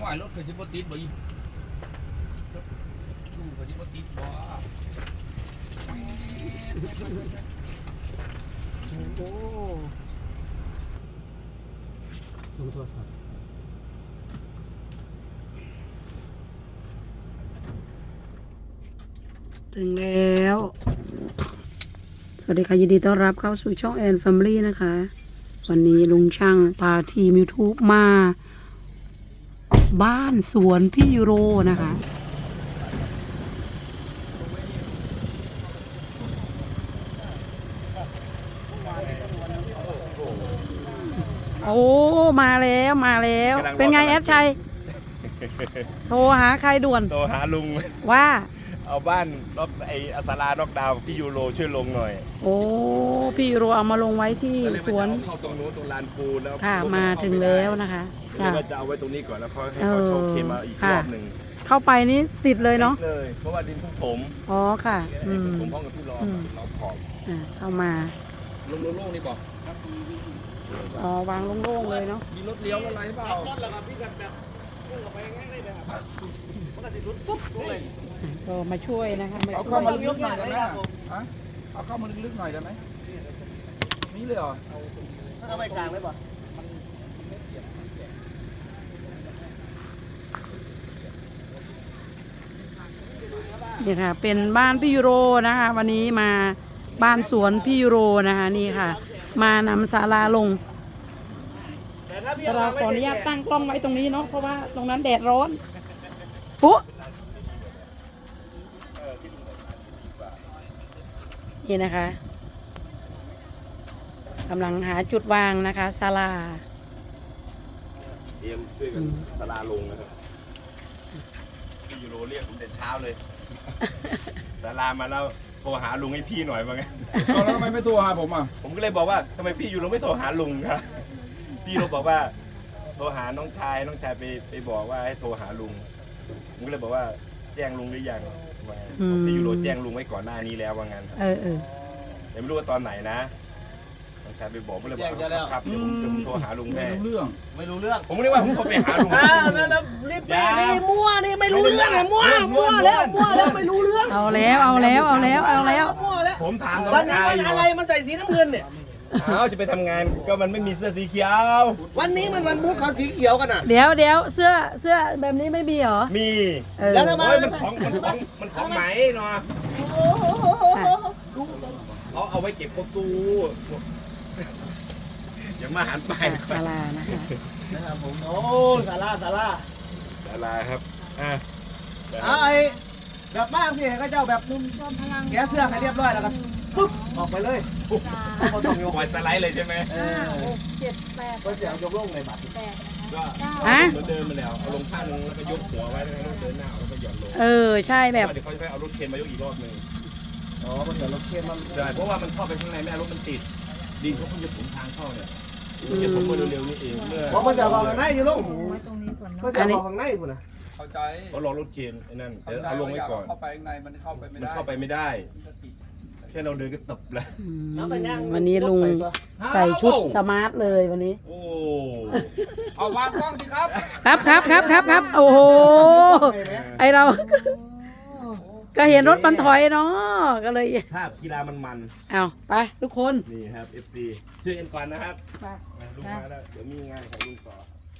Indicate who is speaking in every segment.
Speaker 1: ว่ารถเคยจะบติดบ่อีดูเคยจะบติดบ่
Speaker 2: โอ้ดูโทรศัพท์ถึงแล้ว สวัสดีค่ะยินดีต้อนรับเข้าสู่ช่องแอนแฟมิลี่นะคะ วันนี้ลุงช่างพาทีม YouTube มาบ้านสวนพี่ยูโรนะคะ โอ้มาแล้วมาแล้ว เป็นไงแอดชัย โทรหาใครด่วน
Speaker 3: โทรหาลุง
Speaker 2: ว่า
Speaker 3: เอาบ้านนอกไออัสลานอกดาวพี่ยูโรช่วยลงหน่อย
Speaker 2: โอ้พี่ยูโรเอามาลงไว้ที่สวน
Speaker 3: เข้าตรงนู้นตรงลานปูแล้ว
Speaker 2: ค่ะมาถึงแล้วนะคะ
Speaker 3: ก็เลยว่าจะเอาไว้ตรงนี้ก่อนแล้วค่อยให้เขาโชว์เคมาอีกรอบหนึ่ง
Speaker 2: เข้าไปนี่ติดเลยเนาะ
Speaker 3: เลยเพราะว่าดินเพิ่งถม
Speaker 2: อ๋อค่ะอืม
Speaker 3: ผมห้องกับพี่รอเราขอบ
Speaker 2: เข้ามา
Speaker 1: ลงโล่งๆนี่บอก
Speaker 2: อ๋อวางโล่งๆเลยเนาะ
Speaker 1: มีรถเลี้ยวอะไรเปล่า
Speaker 2: ก็มาช่วยนะคะ
Speaker 1: เอาเข้ามาลึกๆหน่อยได้ไหมเอาเข้ามาลึกๆหน่อยได้ไหมนี่เลยเหรอ
Speaker 4: เอาไปกลางเลยป่ะ
Speaker 2: นี่ค่ะเป็นบ้านพี่ยูโรนะคะ วันนี้มาบ้านสวนพี่ยูโรนะคะนี่ค่ะ มานำศาลาลง
Speaker 4: แต่ถ้าพี่
Speaker 2: เราขออนุญาตตั้งกล้องไว้ตรงนี้เนาะเพราะว่าตรงนั้นแดดร้อนปุ๊นี่นะคะกำลังหาจุดวางนะคะศาลา
Speaker 3: เตรียมช่วยกันสลาลงนะครับพี่ยูโรเรียกผมแต่เช้าเลยสลามาแล้วโทรหาลุงให้พี่หน่อยว่าไง
Speaker 1: เอาแล้วทำไมไม่โทรหาผมอ่ะ
Speaker 3: ผมก็เลยบอกว่าทำไมพี่ยูโรไม่โทรหาลุงครับพี่ยูโรบอกว่าโทรหาน้องชายไปบอกว่าให้โทรหาลุงผมก็เลยบอกว่าแจ้งลุงหรือยังว่าพี่ยูโรแจ้งลุงไว้ก่อนหน้านี้แล้วว่างั้น แต่ไม่รู้ว่าตอนไหนนะน้องชายไปบอกก็เลยบอกครับเดี๋ยวผมโทรหาลุงแม่
Speaker 1: เรื่อง
Speaker 4: ไม่รู้เรื่อง
Speaker 3: ผมก็เลยว่าผมโทรไปหาลุง
Speaker 4: แล้วรีบไปนี่มั่วนี่ไม่รู้เรื่องเลยมั่วแล้วไม่รู้เรื่อง
Speaker 2: เอาแล้ว
Speaker 4: มั่วแล้ว
Speaker 3: ผมถามน้อ
Speaker 4: วั
Speaker 3: ง
Speaker 4: น
Speaker 3: ชาย
Speaker 4: นี้
Speaker 3: อยู่
Speaker 4: อะไรมันใส่สีน้ำเงินเนี่ย
Speaker 3: จะไปทำงานก็มันไม่มีเสื้อสีเขียว
Speaker 4: วันนี้มันวันพุธเขาสีเขียวกันอ่ะ
Speaker 2: เดี๋ยวเสื้อแบบนี้ไม่มีเหรอ
Speaker 3: มี
Speaker 4: แล้วทำไม
Speaker 3: โอ้ยมันของไหมเนาะเอาไว้เก็บประตูอย่ามาหันไป
Speaker 2: ศาลานะคะ
Speaker 4: นะครับผมโอ้สารา
Speaker 3: ศาลาครับ
Speaker 4: ไอ้แบบบ้านสิเขาเจ้าแบบแกเสื้อให้เรียบร้อยแล้วกันปุ๊บออกไปเลยเขาต้องยก
Speaker 3: ปล่อยสไลด์เลยใช่ไหม
Speaker 4: ก็เสียงยกลงในบัตร
Speaker 3: ก็เหมือนเดิมมาแล้วเอาลงข้างนึงแล้วก็ยกหัวไว้แล้วก็เดินหน้าแล้วก็หย่อนลง
Speaker 2: ใช่แบบ
Speaker 3: เดี๋ยวเขาจะเอารถเคนมายกอีกรอบนึง
Speaker 4: อ๋อมันเดี๋ยวรถเข้มมัน
Speaker 3: ใช่เพราะว่ามันเข้าไปข้างในแม่รถมันติดดินเขาเพิ่งจะถมทางเข้าเนี่ยจะถมมาเร็วๆนี่เองเมื่อ
Speaker 4: เพราะมันจะวางข้างในอยู่ลงก็จะวางข้างในคุณนะ
Speaker 1: เข้าใจ
Speaker 3: เขารอรถเคนไอ้นั่นเดี๋ยวเอาลงไว้ก่อน
Speaker 1: เข้าไปข้างในมันเข้าไปไม่
Speaker 3: มัน
Speaker 1: ได้
Speaker 3: เข้าไปไม่ได้แค่เราเดินก็ตบแล้ว
Speaker 2: วันนี้ลุงใส่ชุดสมาร์ทเลยวันนี้
Speaker 3: โอ้
Speaker 1: เอาวางกล้องสิครับ
Speaker 2: ครับโอ้โหไอเรา ก็เห็นรถมันถอยเนาะก็เลย
Speaker 3: ถ้ากีฬามัน
Speaker 2: เอาไปทุกคน
Speaker 3: นี่ครับ FC ช่วยกันก่อนนะครับ
Speaker 2: ไป
Speaker 3: ลุงมาแล้วเดี๋ยวมีงานของลุงต่อ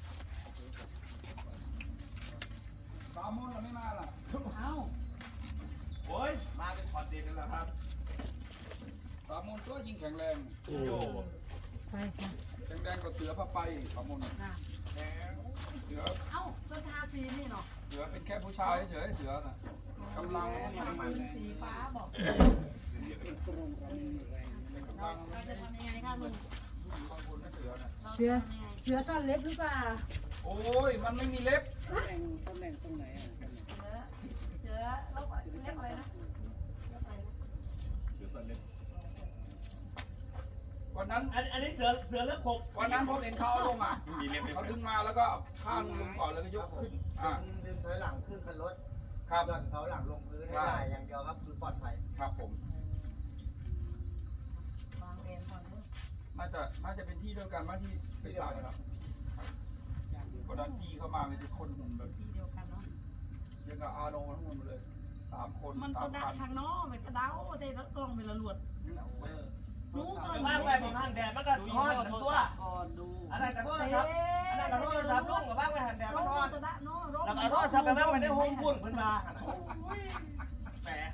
Speaker 1: สามโมงเราไม่มาล่ะ
Speaker 3: โอ้ยมาเป็นคอนเทนต์แล้วครับ
Speaker 1: สามโมงตัวยิงแข็งแรง
Speaker 3: โอ้
Speaker 2: ไปค่ะ
Speaker 1: แข็งแรงกว่าเสือผ้าไปสามโมงเสือ
Speaker 2: เอ้าเสื้อทาสีนี่เนาะ
Speaker 1: เสือเป็นแค่ผู้ชายเฉยเสือน่ะกำลังมัน
Speaker 2: สีฟ้าบอก เราจะทำยังไงคะลุงเสือซ่อนเล็บหรือเปล่า
Speaker 1: โอ้ยมันไม่มีเล็บ
Speaker 2: เสือลบเล็บอะไรนะ
Speaker 1: วันนั้น
Speaker 4: อันนี้เสือเลือกขบ
Speaker 1: วันนั้นผมเห็นเขาเอาลงอ่ะ
Speaker 3: มีเล็บ
Speaker 1: เขาดึงมาแล้วก็ข้างลงก่อนแล้วก็ยกขึ้นอ่า
Speaker 4: ดึงถอยหลังขึ้นคันรถ
Speaker 1: ครับ
Speaker 4: หย่อนเขาหลังลงพื้นให้ได้อย่างเดียวครับคือปลอดภัย
Speaker 1: ครับผมน่าจะเป็นที่เดียวกันมาที่ไปตายครับก็ดันพี่เข้ามาเลยทุกคนหุ่นแบก็เอาลงทั้งหมดเลย3 คน
Speaker 2: มันก็ดักทางนอกมันก็เดาแต่ละกล้องเป็นละหลวดรู้ก่อน
Speaker 4: บ้างไปบางหันแดดมันก็ร้อนตัว
Speaker 2: ก่อนดู
Speaker 4: อะไรกันโทษครับอะไรกันโทษครับลุงกับบ้างไปหันแดดมันร้อน
Speaker 2: จะได้เนาะ
Speaker 4: แล้วก็โทษครับไปบ้างไปได้ห้องคุณเพิ่นมาแปะ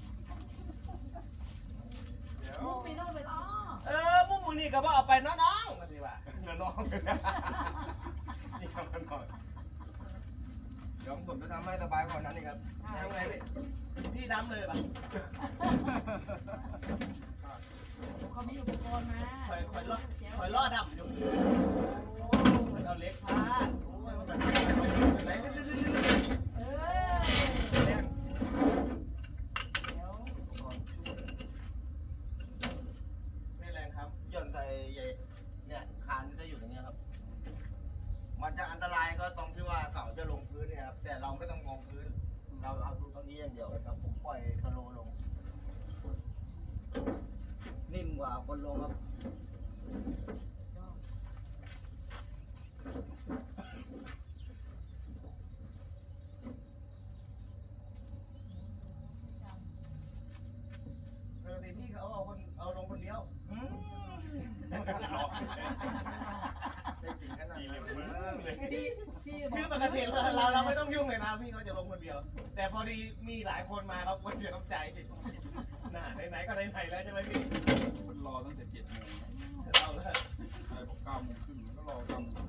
Speaker 2: มุกปีโน่ไปอ้อ
Speaker 4: มุมมึงนี่ก็บ่เอาไปน้องๆมาสิว่าน้องนี่ครับน้องเดี๋ยวผมจะทำให้สบายกว่านั้นนี่ครับยังไงพี่ดำเลยป่ะ
Speaker 2: เขามีอุปกรณ์มา
Speaker 4: คอยล่อดำอยู่เอาเล็กพาดไหน ไม่แรงครับ
Speaker 5: หย่อนใส่เนี่ยคานจะอยู่อย่างเงี้ยครับ มันจะอันตรายก็ตรงที่ว่าเสาจะลงพื้นเนี่ยครับ แต่เราไม่ต้องมองพื้น เราเอาดูตรงนี้อย่างเดียวครับ ผมปล่อยสโลว์ลง นิ่มกว่าคนลงครับ
Speaker 4: ปกติพี่เขาเอาลงคนเดียว คือปกติเราไม่ต้องยุ่งเลยนะพี่เขาจะลงคนเดียว แต่พอดีมีหลายคนมาครับคนเสียน้ำใจน่ะไหนๆก็ไหนๆแล้วใช่ไหมพี่
Speaker 1: มันรอตั้งแต่7 โมง
Speaker 4: เอาเลย
Speaker 1: ใครบอก9 โมงครึ่งก็รอ9 โมง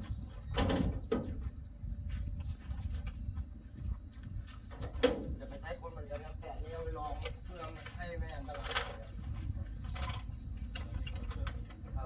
Speaker 5: จะไปใช้คนเหมือนกันครับแต่นี่เอาไปลองเพื่อให้ไม่อันตรายครับ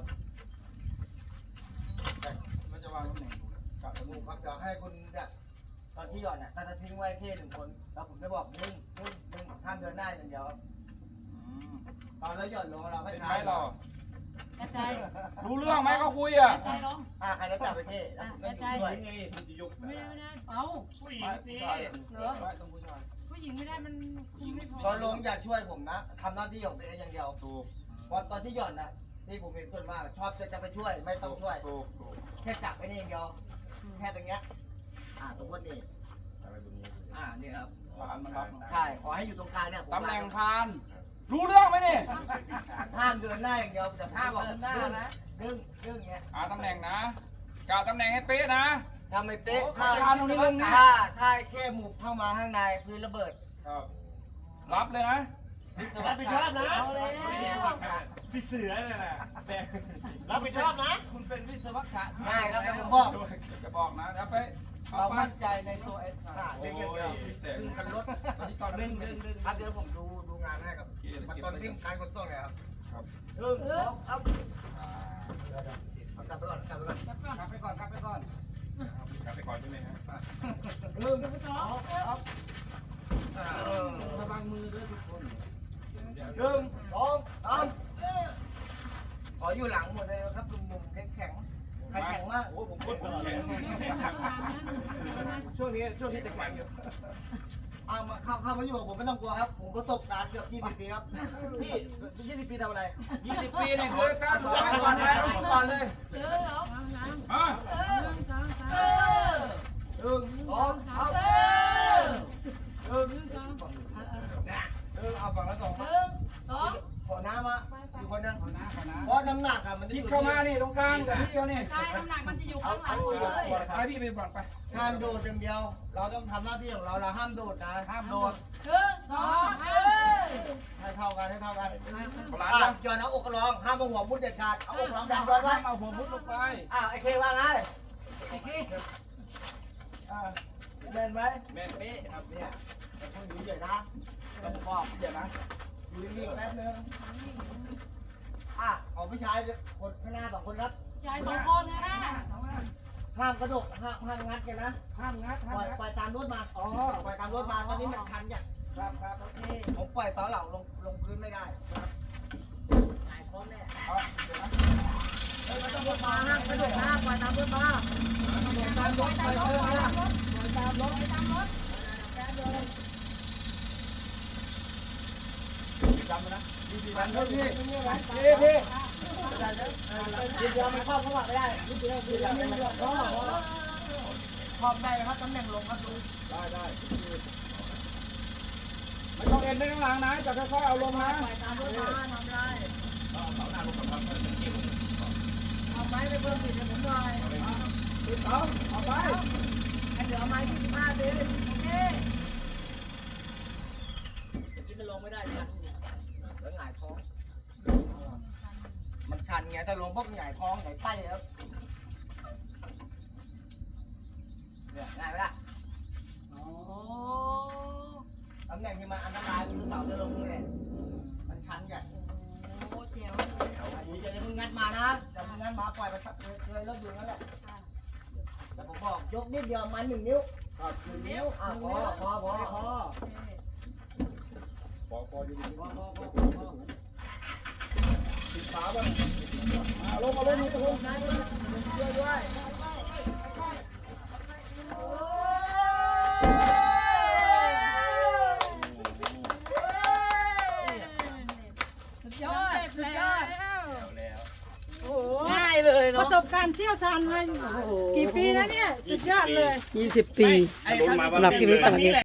Speaker 1: มันจะวางตำแหน่งถูกกะ
Speaker 5: สนุกครับเดี๋ยวให้คุณเนี่ยตอนที่หย่อนเนี่ยถ้าจะทิ้งไว้แค่1 คนแล้วผมจะบอกนึ่งห้ามเดินหน้าอย่างเดียวครับตอนแล้วหย่อนลงเราให้
Speaker 1: เป็น
Speaker 5: ทา
Speaker 1: ไหม
Speaker 5: ย
Speaker 1: เรา
Speaker 2: กระจาย
Speaker 1: รู้เรื่องไหมเขาคุยอ่ะ
Speaker 2: กระจายลง
Speaker 5: ใครจะจับไปเท่แล้วผมก็อยู่ช่วย
Speaker 4: ยังไงคุณจะยก
Speaker 2: ไม่ได้เอา
Speaker 4: ผู้หญิงสิ
Speaker 1: ต้องผู้ชาย
Speaker 2: ผู้หญิงไม่ได้มันคุมไม่พอ
Speaker 5: ตอนลงอย่าช่วยผมนะทำหน้าที่ของตัวเองอย่างเดียว
Speaker 1: ถูก
Speaker 5: ตอนที่หย่อนนะที่ผมเห็นส่วนมากชอบจะไปช่วยไม่ต้องช่วย
Speaker 1: ถูก
Speaker 5: แค่จับไปนี่อย่างเดียวแค่ตรงเนี้ยสมมตินี่
Speaker 3: อะไรตรงนี้
Speaker 5: นี่ครับ
Speaker 1: ฐานมันรับ
Speaker 5: ใช่ขอให้อยู่ตรงกลางเนี่ยผม
Speaker 1: ตำแหน่งคาน รู้เรื่องไหมนี่
Speaker 5: ห้ามเดินหน้าอย่างเดียวแต่ห้ามเดินหน้านะเรื่องเงี้ย
Speaker 1: ตำแหน่งนะกะตำแหน่งให้เป๊ะนะ
Speaker 5: ทำไม่เป๊ะถ้าแค่หมุบเข้ามาข้างในพื้นระเบิด
Speaker 1: ครับรับเลยนะ
Speaker 4: รับผิดชอบนะ
Speaker 2: เอาแล้ว
Speaker 4: พี่เสือเนี่ยนะรับผิดชอบนะ
Speaker 1: คุณเป็นวิศวกะ
Speaker 5: ง่ายครับแล้วผมบอก
Speaker 1: จะบอกนะแล้วไป
Speaker 5: เรามั่นใจในตัวเอสเรื่องเดียว
Speaker 1: แต่
Speaker 5: ซึ่งคันรถ
Speaker 1: ตอนนี้ตอนเร่ง
Speaker 5: เดี๋ยวผมดูงานให้ครับมันตอนที่การขนส่งเนี่ยครับ
Speaker 1: ครับ
Speaker 5: เอากลับไปก่อน
Speaker 1: กลับไปก่อนกลับไปก่อน
Speaker 3: กลับไปก่อนใช่ไหมฮะ
Speaker 2: สอง
Speaker 1: ระวังมือด้วยทุกคน
Speaker 5: 1 2 3ขออยู่หลังหมดเลยครับมุมแข็งใครแข็งมาก
Speaker 3: โอ้ผมคนแข็ง
Speaker 4: ช่วงนี้จะแข่งอยู่
Speaker 5: เอามาเข้ามาอยู่กับผมไม่ต้องกลัวครับ ผมประสบการณ์เกือบ20 ปีครับ
Speaker 4: พี่20 ปีทำอะไร
Speaker 1: 20 ปีเนี่ยคือการถูกไปก่อนเลยก่อนเลย
Speaker 2: เออเหรอ
Speaker 1: อ่ะ
Speaker 5: เอาฝั่งละ2ขอน้ำมาอยู่คนนึง
Speaker 1: ขอนะขอนะ
Speaker 5: เพราะน้ำหนักอะมันจะ
Speaker 1: คิ
Speaker 5: อ
Speaker 1: ด
Speaker 5: ยู่
Speaker 1: เข้ามานี่ตรงกลางกับพี่เขานี่
Speaker 2: ใช่น้ำหนักมันจะอยู่ข้างหลังเลย
Speaker 1: ไปพี่ไปฝั่งไป
Speaker 5: ห้ามโดดอย่างเดียว เราต้องทำหน้าที่ของเราห้ามโดดนะห้ามโดด ให้เท่ากัน
Speaker 1: ขลาด
Speaker 5: ย้อนเอาอกร้องห้ามเอาหัวมุดเด็ดขาดเอาอกร้องดัน
Speaker 1: ย้
Speaker 5: ย้
Speaker 1: อ
Speaker 5: อน น
Speaker 1: ว่า
Speaker 5: ไว้
Speaker 1: เอาหัวมุดลงไป
Speaker 5: ไอ้เคว่าไง
Speaker 4: แม่นไหม
Speaker 1: แม่เป๊ะครับเนี่ย
Speaker 5: คนอยู่ใหญ่นะเราบอก
Speaker 1: เดี๋ยวนะ
Speaker 5: อยู่นิ่งๆแป๊บนึงเอาผู้ชายคนข้างหน้า2 คนครับ
Speaker 2: ชาย2 คนนะ
Speaker 5: ห้ามกระโดดห้ามงัดกันนะห้ามงัดปล่อยตามรถมาปล่อยตามรถมาตอนนี้มันชันอย่าง
Speaker 1: ครับโอเค
Speaker 5: ผมปล่อยเสาเหล่าลงพื้นไม่ได้หายท้องแน่
Speaker 1: เดี๋ยวนะ
Speaker 5: ไม่ต้องรถมาห้ามกระโดดนะปล่อยตามรถมาตามรถปล่อยตามรถตามรถจำนะพี่เดียวมันครอบเข้ามาไม่ได้พี่เดียวครอบได้ครับตำแหน่งลงครับลุงได้
Speaker 1: ไม่ต้องเอ็นไปข้างหลังนะจะค่อยๆเอาลงนะ
Speaker 5: ปล่อยตามรถมาทำไรเอาไม้ไปเพิ่มติดให้ผมหน่อย
Speaker 1: ติดเอาเอาไป
Speaker 5: ให้เหลือไม้25ดิโอเคกินมันลงไม่ได้ชันแล้วหงายท้องมันชันไงถ้าลงปุ๊บหงายท้องหงายไส้ครับเนี่ยง่ายไหมล่ะโอ้ตำแหน่งที่มันอันตรายคือเสาจะลงเนี่ยมันชันใหญ่โอ้เจ๋วอันนี้จะมึงงัดมานะจะมึงงัดมาปล่อยไปเลยแล้วอยู่นั่นแหละแต่ผมบอกยกนิดเดียวมา1 นิ้ว1 นิ้วพอ
Speaker 1: ติดขาบ้างเอาลงลงนี่ตะลุง
Speaker 5: ช่วยด้วย
Speaker 2: ยอดแล้ว
Speaker 3: แล้ว
Speaker 2: ง่ายเลย
Speaker 6: ป
Speaker 2: เนาะ
Speaker 6: ระสบการณ์เชี่ยวชาญมากี่ปีแล้วเนี่ย สุดยอดเลย
Speaker 2: 20 ปีสำหรับคลิปนี้สวัสดีค่ะ